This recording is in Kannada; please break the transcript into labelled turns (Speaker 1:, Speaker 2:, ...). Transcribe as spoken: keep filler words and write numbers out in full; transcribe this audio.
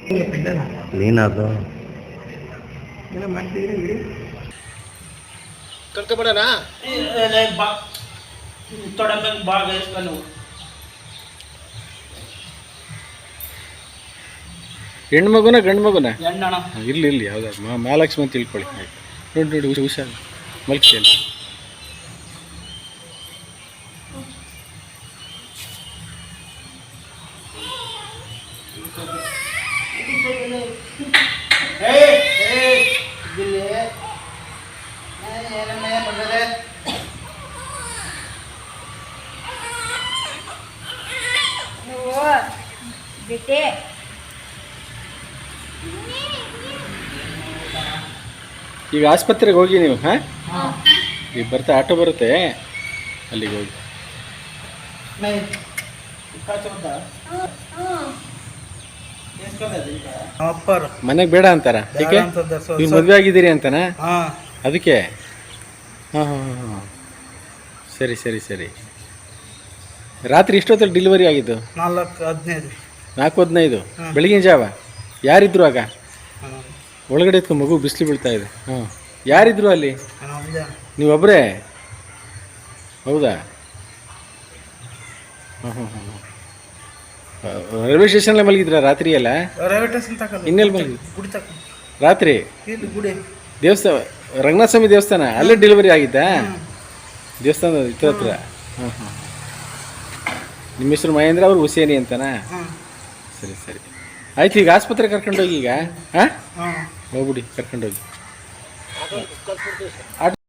Speaker 1: ನೀನದು
Speaker 2: ಕರ್ಕೊಬೇಡಣ
Speaker 3: ಬಾ ತೊಡಂಬ ಭಾಗ ಇಸ್ಕೊಂಡು
Speaker 2: ಹೆಣ್ಮಗುನ ಗಂಡು ಮಗುನ
Speaker 3: ಹೆಣ್ಣಣ
Speaker 2: ಇರ್ಲಿ ಇರ್ಲಿ ಯಾವ್ದಾದ್ರು ಮಾ ಮಹಾಲಕ್ಷ್ಮಿ ಅಂತ ತಿಳ್ಕೊಳ್ಳಿ ನೋಡಿ ನೋಡಿ ಹುಷ ಹುಷಾರು ಮಲ್ಕೇಳಿ
Speaker 4: ಬಿಟ್ಟೆ
Speaker 2: ಈಗ ಆಸ್ಪತ್ರೆಗೆ ಹೋಗಿ ನೀವು ಹಾಂ ಈಗ ಬರ್ತಾ ಆಟೋ ಬರುತ್ತೆ ಅಲ್ಲಿಗೆ ಹೋಗಿ ಮನೆಗೆ ಬೇಡ ಅಂತಾರ ಯಾಕೆ ನೀವು ಮದುವೆ ಆಗಿದ್ದೀರಿ ಅಂತನಾ ಅದಕ್ಕೆ ಹಾಂ ಹಾಂ ಹಾಂ ಸರಿ ಸರಿ ಸರಿ ರಾತ್ರಿ ಇಷ್ಟೊತ್ತಲ್ಲಿ ಡೆಲಿವರಿ ಆಗಿದ್ದು
Speaker 3: ನಾಲ್ಕು ಹದಿನೈದು
Speaker 2: ನಾಲ್ಕು ಹದಿನೈದು ಬೆಳಗಿನ ಜಾವ ಯಾರಿದ್ರು ಆಗ ಒಳಗಡೆ ಇತ್ತು ಮಗು ಬಿಸಿಲು ಬೀಳ್ತಾ ಇದೆ ಹಾಂ ಯಾರಿದ್ರು ಅಲ್ಲಿ ನೀವೊಬ್ಬರೇ ಹೌದಾ ಹಾಂ ಹಾಂ ಹಾಂ ರೈಲ್ವೆ ಸ್ಟೇಷನ್ಲೇ ಮಲಗಿದ್ರ ರಾತ್ರಿ ಎಲ್ಲ
Speaker 3: ರೈಲ್ವೆ ಸ್ಟೇಷನ್ ತಗೊಳ್ಳಿ
Speaker 2: ಇನ್ನೆಲ್ಲಿ ಮಲಗಿ
Speaker 3: ಗುಡಿ ತಕ
Speaker 2: ರಾತ್ರಿ
Speaker 3: ಇಲ್ಲಿ ಗುಡಿ
Speaker 2: ದೇವಸ್ಥಾನ ರಂಗನಾಥ ಸ್ವಾಮಿ ದೇವಸ್ಥಾನ ಅಲ್ಲೇ ಡೆಲಿವರಿ ಆಗಿದ್ದಾ ದೇವಸ್ಥಾನದ ಇತ್ರ ಹತ್ರ ಹಾಂ ಹಾಂ ನಿಮ್ಮ ಹೆಸರು ಮಹೇಂದ್ರ ಅವ್ರು ಹುಸೇನಿ ಅಂತನಾ ಸರಿ ಸರಿ ಆಯ್ತು ಈಗ ಆಸ್ಪತ್ರೆ ಕರ್ಕೊಂಡೋಗಿ ಈಗ ಹಾಂ ಹೋಗ್ಬಿಡಿ ಕರ್ಕೊಂಡೋಗಿ